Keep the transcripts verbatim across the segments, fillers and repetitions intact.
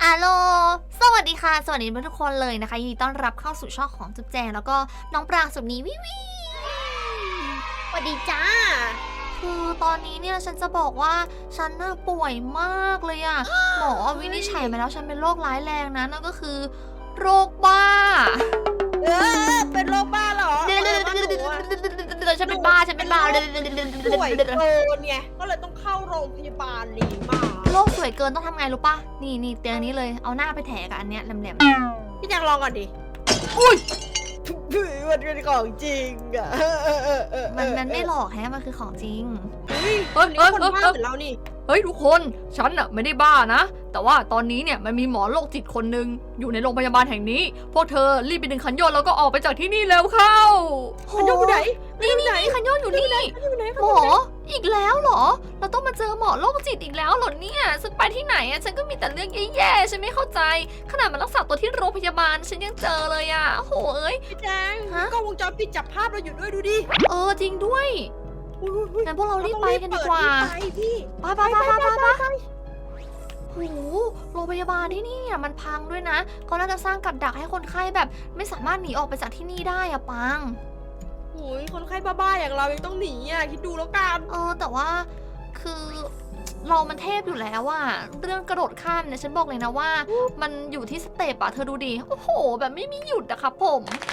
อาโลสวัสดีค่ะสวัสดีทุกคนเลยนะคะยินดีต้อนรับเข้าสู่ช่องของจุ๊บแจงแล้วก็น้องปรางสุดนี้วิวิสวัสดีจ้าคือตอนนี้เนี่ยฉันจะบอกว่าฉันน่าป่วยมากเลยอะหมอวินิจฉัยมาแล้วฉันเป็นโรคร้ายแรงนะนั่นก็คือโรคบ้าเออเป็นโรคบ้าเหรอเดี๋ยวฉันเป็นบ้าฉันเป็นบ้าป่วยเกินไงก็เลยต้องเข้าโรงพยาบาลนี่มาโรคสวยเกินต้องทำไงรู้ปะนี่นี่เตียงนี้เลยเอาหน้าไปแถกับอันเนี้ยแหลมๆพี่แจงลองก่อนดิอุ้ยมันเป็นของจริงอะมันมันไม่หลอกแฮะมันคือของจริงเฮ้ยคนนี้คนบ้าเหมือนเรานี่เฮ้ยทุกคนฉันน่ะไม่ได้บ้านะแต่ว่าตอนนี้เนี่ยมันมีหมอโรคจิตคนหนึ่งอยู่ในโรงพยาบาลแห่งนี้พวกเธอรีบไปดึงคันโยนแล้วก็ออกไปจากที่นี่แล้วเข้าคันโยนอยู่ไหนนี่นี่นี่คันโยนอยู่นี่หมออีกแล้วเหรอเราต้องมาเจอหมอโรคจิตอีกแล้วเหรอเนี่ยฉันไปที่ไหนอะฉันก็มีแต่เรื่องแย่ๆฉันไม่เข้าใจขนาดมารักษาตัวที่โรงพยาบาลฉันยังเจอเลยอะโหเอ้ยพี่แจงกล้องวงจรปิดจับภาพเราอยู่ด้วยดูดิเออจริงด้วยงั้นพวกเรารีบไปกันดีกว่าไปพี่ไปไปไปไปไปไปโหโรงพยาบาลที่นี่เนี่ยมันพังด้วยนะเขาน่าจะสร้างกับดักให้คนไข้แบบไม่สามารถหนีออกไปจากที่นี่ได้อะปังโอ้ยคนไข้บ้าๆอย่างเรายังต้องหนีอ่ะคิดดูแล้วกันเออแต่ว่าคือเรามันเทพอยู่แล้วอะเรื่องกระโดดข้ามเนี่ยฉันบอกเลยนะว่ามันอยู่ที่สเต็ปอะเธอดูดิโอ้โหแบบไม่มีหยุดอะครับผม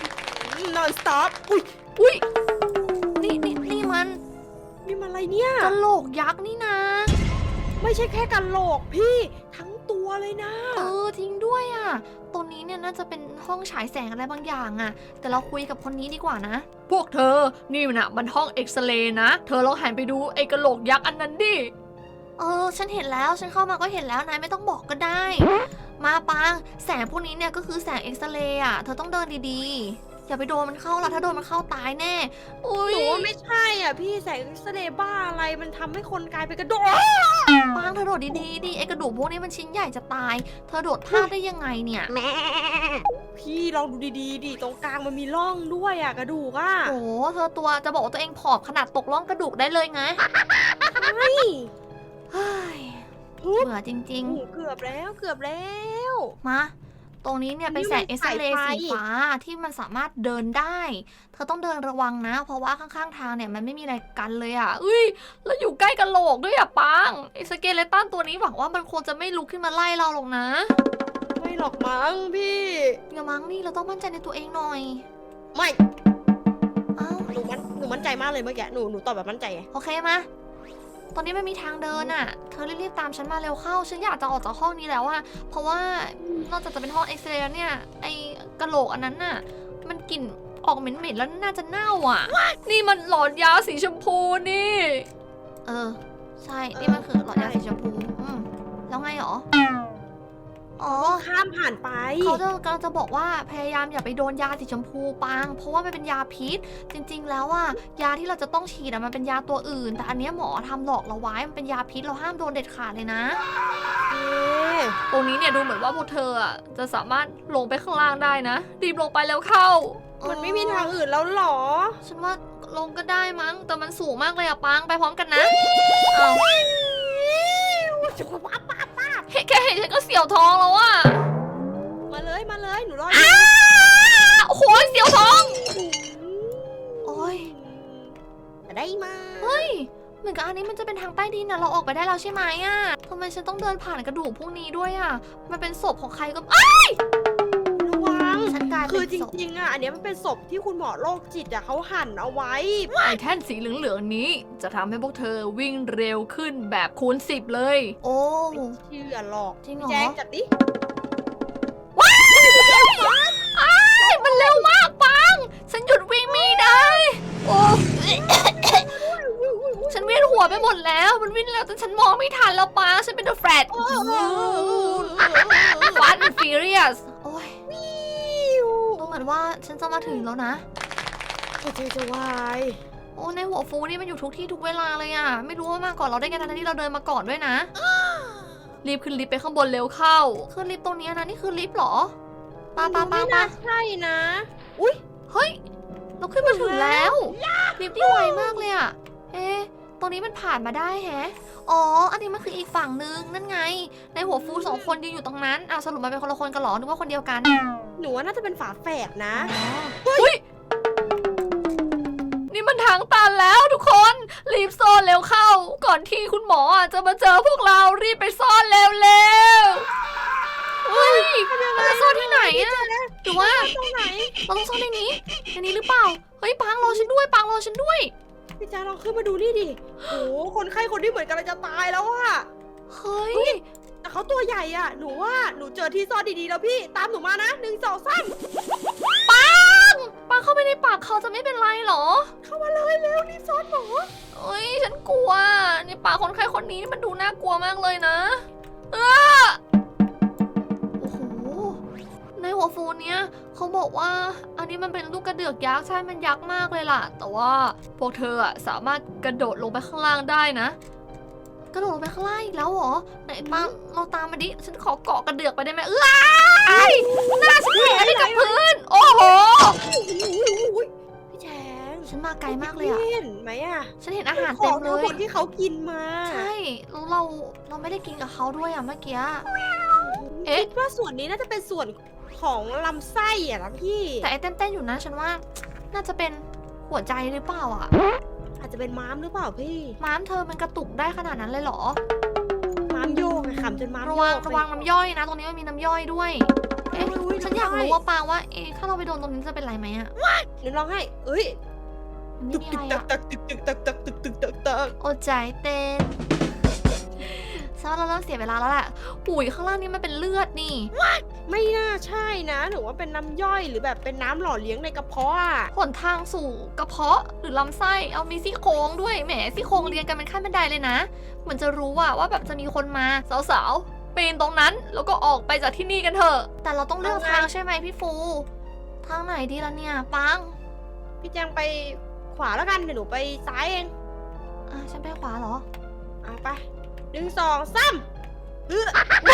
non stop อุ้ยอุ้ยนี่นี่นี่มันนี่มันอะไรเนี่ยกะโหลกยักษ์นี่นะไม่ใช่แค่กะโหลกพี่ทั้งตัวเลยนะเออทิ้งด้วยอ่ะตรงนี้เนี่ยน่าจะเป็นห้องฉายแสงอะไรบางอย่างอ่ะแต่เราคุยกับคนนี้ดีกว่านะพวกเธอนี่นะมันห้องเอ็กซเรย์นะเธอลองหันไปดูไอ้กะโหลกยักษ์อันนั้นดิเออฉันเห็นแล้วฉันเข้ามาก็เห็นแล้วนายไม่ต้องบอกก็ได้มาปังแสงพวกนี้เนี่ยก็คือแสงเอ็กซเรย์อ่ะเธอต้องเดินดีๆอย่าไปโดนมันเข้าละถ้าโดนมันเข้าตายแน่อุ้ยหนูว่าไม่ใช่อ่ะพี่แสงเอ็กซเรย์บ้าอะไรมันทำให้คนกลายเป็นกระโดดปังเธอโดดดีๆดิไอกระดูกพวกนี้มันชิ้นใหญ่จะตายเธอโดดพลาดได้ยังไงเนี่ยแม่พี่ลองดูดีๆดิตรงกลางมันมีร่องด้วยอ่ะกระดูกอ่ะโอ้เธอตัวจะบอกว่าตัวเองผอมขนาดตกร่องกระดูกได้เลยไงใช่เฮ้ยเบื่อจริงๆเกือบแล้วเกือบแล้วมาตรงนี้เนี่ยเป็นแสงเอ็กซเรย์สีฟ้าที่มันสามารถเดินได้เธอต้องเดินระวังนะเพราะว่าข้างๆทางเนี่ยมันไม่มีอะไรกันเลยอ่ะอุ้ยแล้วอยู่ใกล้กะโหลกด้วยอ่ะปังไอ้สเกเลตันตัวนี้หวังว่ามันคงจะไม่ลุกขึ้นมาไล่เราหรอกนะไม่หรอกมั้งพี่อย่ามั้งนี่เราต้องมั่นใจในตัวเองหน่อยไม่อ้าวหนูมันหนูมั่นใจมากเลยเมื่อกี้หนูหนูตอบแบบมั่นใจโอเคมาตอนนี้ไม่มีทางเดินอ่ะเธอรีบๆตามฉันมาเร็วเข้าฉันอยากจะออกจากห้องนี้แล้วอะเพราะว่านอกจากจะเป็นห้องเอ็กซเรย์เนี่ยไอ้กะโหลกอันนั้นน่ะมันกลิ่นออกเหม็นๆแล้วน่าจะเน่าอ่ะนี่มันหลอดยาสีชมพูนี่เออใช่นี่มันคือหลอดยาสีชมพูอืมแล้วไงหรออ๋อข้ามผ่านไปเขาจะกำลังจะบอกว่าพยายามอย่าไปโดนยาสีชมพูปังเพราะว่ามันเป็นยาพิษจริงๆแล้วอ่ะยาที่เราจะต้องฉีดอะมันเป็นยาตัวอื่นแต่อันนี้หมอทำหลอกเราไว้มันเป็นยาพิษเราห้ามโดนเด็ดขาดเลยนะตรงนี้เนี่ยดูเหมือนว่าพวกเธออ่ะจะสามารถลงไปข้างล่างได้นะรีบลงไปแล้วเข้ามันไม่มีทางอื่นแล้วหรอฉันว่าลงก็ได้มั้งแต่มันสูงมากเลยอะปังไปพร้อมกันนะเอาแค่เห็นฉันก็เสียวท้องแล้วอะมาเลยมาเลยหนูรอดโอ้โหเสียวท้องโอ้ยได้มาเฮ้ยเหมือนกับอันนี้มันจะเป็นทางใต้ดินนะเราออกไปได้แล้วใช่ไหมอะทำไมฉันต้องเดินผ่านกระดูกพวกนี้ด้วยอะมันเป็นศพของใครก็ไอ้ระวังฉันกลายเป็นคือจริงๆอะอันนี้มันเป็นศพที่คุณหมอโรคจิตอะเขาหั่นเอาไว้ไอ้แท่นสีเหลืองๆนี้จะทำให้พวกเธอวิ่งเร็วขึ้นแบบคูณสิบเลยโอ้เชื่อหรอกจริงเหรอแจ้งจัดดิว้ายมันเร็วมากปังฉันหยุดวิ่งไม่ได้โอ้ฉันเวียนหัวไปหมดแล้วมันวิ่งแล้วแต่ฉันมองไม่ทันแล้วปังฉันเป็นเดอะแฟลชฟาสต์แอนด์ฟิวเรียสโอ้ยดูเหมือนว่าฉันจะมาถึงแล้วนะโอ้ยจะวายโอ้ในหัวฟูนี่มันอยู่ทุกที่ทุกเวลาเลยอ่ะไม่รู้ว่ามาก่อนเราได้ไงทั้งที่เราเดินมาก่อนด้วยนะรีบขึ้นลิฟต์ไปข้างบนเร็วเข้าขึ้นลิฟต์ตรงนี้นะนี่คือลิฟต์หรอปาปาปาปาใช่นะอุ้ยเฮ้ยเราขึ้นมาถึงแล้วลิฟต์ที่ไวมากเลยอ่ะเอ๊ะตรงนี้มันผ่านมาได้แฮะ อ๋อ อันนี้มันคืออีกฝั่งนึงนั่นไง ในหัวฟูสองคนยืนอยู่ตรงนั้นอ้าวสรุปมาเป็นคนละคนกันเหรอนึกว่าคนเดียวกันหนูว่าน่าจะเป็นฝาแฝดนะอุ้ยนี่มันทางตันแล้วทุกคนรีบซ่อนเร็วเข้า ก่อนที่คุณหมออ่ะจะมาเจอพวกเรารีบไปซ่อนเร็วเร็วเฮ้ยเราจะซ่อนที่ไหนอะหรือว่าตรงไหนเราต้องซ่อนในนี้ในนี้หรือเปล่าเฮ้ยปังรอฉันด้วยปังรอฉันด้วยพี่แจ๊คลองขึ้นมาดูนี่ดิโอ้คนไข้คนที่เหมือนกำลังจะตายแล้วอะเฮ้ยแต่เขาตัวใหญ่อะหนูว่าหนูเจอที่ซ่อนดีๆแล้วพี่ตามหนูมานะหนึ่งสองสามปังปังเข้าไปในปากเขาจะไม่เป็นไรเหรอเข้ามาเลยเร็วรีบซ่อนหมอเอ้ยฉันกลัวในปากคนไข้คนนี้นี่มันดูน่ากลัวมากเลยนะเออโอ้โหในหัวฟูเนี้ยเขาบอกว่าอันนี้มันเป็นลูกกระเดือกยักษ์ใช่มันยักษ์มากเลยล่ะ แต่ว่าพวกเธออะสามารถกระโดดลงไปข้างล่างได้นะ กระโดดลงไปข้างล่างอีกแล้วเหรอไหนปังเราตามมาดิฉันขอเกาะกระเดือกไปได้ไหมเอ้ยหน้าฉันแหงที่กับพื้นโอ้โหพี่แจ๊คฉันมาไกลมากเลยอะพี่เห็นไหมอะฉันเห็นอาหารขเต็องมเลทั้งยหมดที่เขากินมาใช่แล้วเราเราไม่ได้กินกับเขาด้วยอะเมื่อกี้ เอ๊ะคิดว่าส่วนนี้น่าจะเป็นส่วนของลำไส้อะนะพี่แต่ไอ้เต้นๆอยู่นะฉันว่า น่าจะเป็นหัวใจหรือเปล่าอะอาจจะเป็นม้ามหรือเปล่าพี่ม้ามเธอมันกระตุกได้ขนาดนั้นเลยเหรอม้ามโยกอะขำจนม้ามระโยวังกระวังน้ำย่อยนะ ตรงนี้มันมีน้ำย่อยด้วย เอ๊ะอุ๊ยฉันอยากำรู้ย่ว่าปางว่าเอ๊ะถ้าเราไปโดนตรงนี้จะเป็นไรไหมอะเดี๋ยวลองให้เอ้ยมันตึไม่กมีตึอะกไรตัอะกตักตึกตึกตักตักตึกตึกตักตักโอ้ใจเต้นฉันว่าเราเริ่มเสียเวลาแล้วแหละปุ๋ยข้างล่างนี้มันเป็นเลือดนี่ไม่น่าใช่นะหรือว่าเป็นน้ำย่อยหรือแบบเป็นน้ำหล่อเลี้ยงในกระเพาะอะหนทางสู่กระเพาะหรือลำไส้เอามีซี่โครงด้วยแหมซี่โครงเรียงกันเป็นขั้นบันไดเลยนะเหมือนจะรู้ว่าว่าแบบจะมีคนมาสาวๆปีนตรงนั้นแล้วก็ออกไปจากที่นี่กันเถอะ แต่เราต้องเลือกทางใช่ไหมพี่ฟู ทางไหนดีล่ะเนี่ยปังพี่แจงไปขวาแล้วกันเดี๋ยวหนูไปซ้ายเองอ่ะฉันไปขวาเหรออ่ะไปหนึ่งสองสามเออ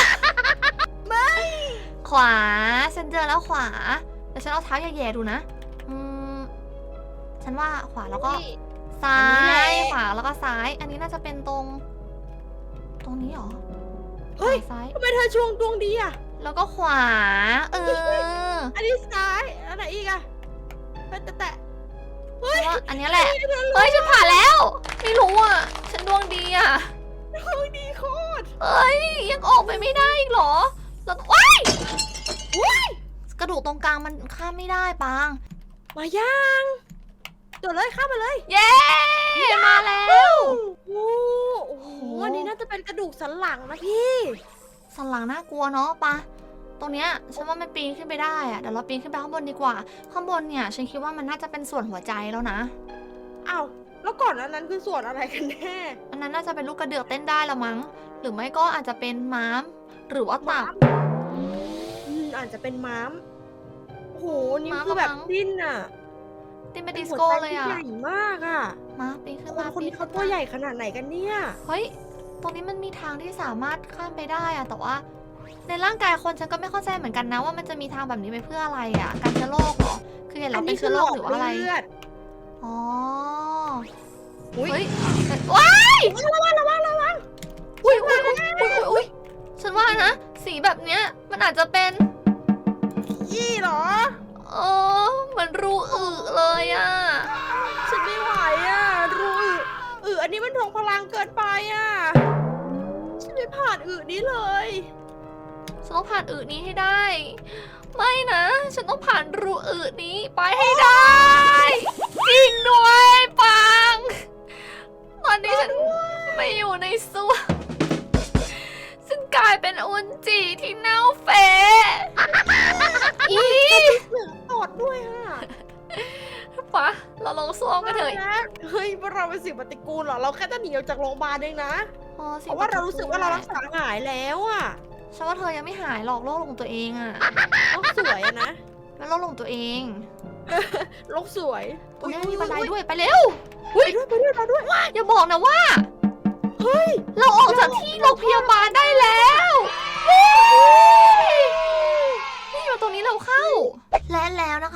ขวาฉันเจอแล้วขวาแต่ฉันเอาเท้าแย่ๆดูนะอืมฉันว่าขวาแล้วก็นี่ซ้าอันนี้แหยละขวาแล้วก็ซ้าย อันนี้น่าจะเป็นตรง ตรงนี้เหรอเฮ้ยซ้ายทำไมเธอช่วงดวงดีอะแล้วก็ขวา เอออันนี้ซ้ายอันไหนอีกอะแต่แต่แต่เพราะว่าอันนี้แหละ เฮ้ยฉันผ่านแล้ว ไม่รู้อ่ะ ฉันดวงดีอ่ะดวงดีโคตรเอ้ยยังออกไปไม่ได้อีกเหรอแล้วว้ายกระดูกตรงกลางมันข้ามไม่ได้ปังมายังโดดเลยข้ามมาเลยเย้ มาแล้วโอ้โอ้โหอันนี้น่าจะเป็นกระดูกสันหลังนะพี่สันหลังน่ากลัวเนาะปะตรงเนี้ยฉันว่ามันปีนขึ้นไปได้อะเดี๋ยวเราปีนขึ้นไปข้างบนดีกว่า ข้างบนเนี่ยฉันคิดว่ามันน่าจะเป็นส่วนหัวใจแล้วนะอ้าวแล้วก่อนอันนั้นคือส่วนอะไรกันแน่อันนั้นน่าจะเป็นลูกกระเดือกเต้นได้ละมั้ง หรือไม่ก็อาจจะเป็นม้าม หรือว่าตับอืมอาจจะเป็นม้ามโอ้โหนี่ม้ามคือแบบมั้งดิ้นอะเต้นเป็นดิสโก้เลยอะหัวใจที่ใหญ่มากอะมาปีนขึ้นคนมาคนปีนี้นเขาขึ้นตัวมาใหญ่ขนาดไหนกันเนี่ยเฮ้ย ตรงนี้มันมีทางที่สามารถข้ามไปได้อะแต่ว่า ในร่างกายคนฉันก็ไม่เข้าใจเหมือนกันนะว่ามันจะมีทางแบบนี้ไปเพื่ออะไรอะการเชื้อโรคเหรอ คือเห็นเราเป็นเชื้อโรคหรือว่าอะไรเลือดอ๋ออุ๊ยเฮ้ยว้ายระวังระวังระวังอุ้ยอุ้ยอุ้ยอุ้ยอุ้ยอุ้ยฉันว่านะ สีแบบเนี้ยมันอาจจะเป็นยี่เหรอเออเหมือนรูอึเลยอะฉันไม่ไหวอ่ะรู้อึอึอันนี้มันทวงพลังเกินไปอ่ะ ฉันไม่ผ่านอึนี้เลยฉันต้องผ่านอึนี้ให้ได้ ไม่นะ ฉันต้องผ่านรูอึนี้ไปให้ได้จริงด้วยปัง ตอนนี้ฉันไม่อยู่ในส้วมฉันกลายเป็นอุนจิที่เน่าเฟะอีเหลืองตอดด้วยอ่ะปะเราลงส้วมกันเถอะเฮ้ยพวกเราเป็นสิ่งปฏิกูลเหรอ เราแค่จะหนีออกจากโรงพยาบาลเองนะอ๋อเพราะว่าเรารู้สึกว่าเรารักษาหายแล้วอ่ะฉันว่าเธอยังไม่หายหรอกโรคลงตัวเองอะโลกสวยอะนะเป็นโรคลงตัวเองโลกสวยตรงนี้มันมีบันไดด้วยไปเร็วไปด้วยไปด้วยไปด้วยอย่าบอกนะว่าเฮ้ยเราออกจากที่โรงพยาบาลได้แล้วนี่มาตรงนี้เราเข้า และแล้วนะคะ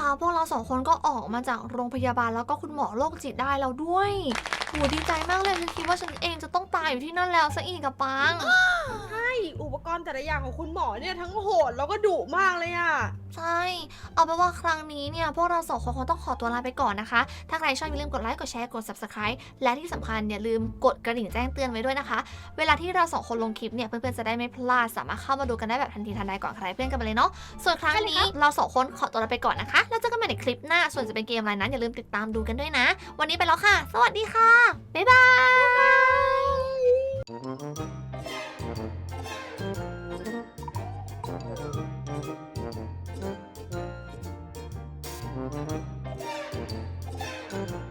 พวกเราสองคนก็ออกมาจากโรงพยาบาลแล้วก็คุณหมอโรคจิตได้แล้วด้วยโหดีใจมากเลยฉันคิดว่าฉันเองจะต้องตายอยู่ที่นั่นแล้วซะอีกอะปังใช่อุปกรณ์แต่ละอย่างของคุณหมอเนี่ยทั้งโหดแล้วก็ดุมากเลยอะใช่ เอาเป็นว่าครั้งนี้เนี่ยพวกเราสองคนคงต้องขอตัวลาไปก่อนนะคะ ถ้าใครชอบอย่าลืมกดไลค์ กดแชร์ กด subscribe และที่สำคัญอย่าลืมกดกระดิ่งแจ้งเตือนไว้ด้วยนะคะ เวลาที่เราสองคนลงคลิปเนี่ยเพื่อนๆจะได้ไม่พลาด สามารถเข้ามาดูกันได้แบบทันทีทันใดก่อนใครเพื่อนกันไปเลยเนาะ ส่วนครั้งนี้เราสองคนขอตัวลาไปก่อนนะคะ แล้วเจอกันใหม่ในคลิปหน้า ส่วนจะเป็นเกมอะไรนั้นอย่าลืมติดตามดูกันด้วยนะ วันนี้ไปแล้วค่ะ สวัสดีค่ะ บ๊ายบาย Thank you.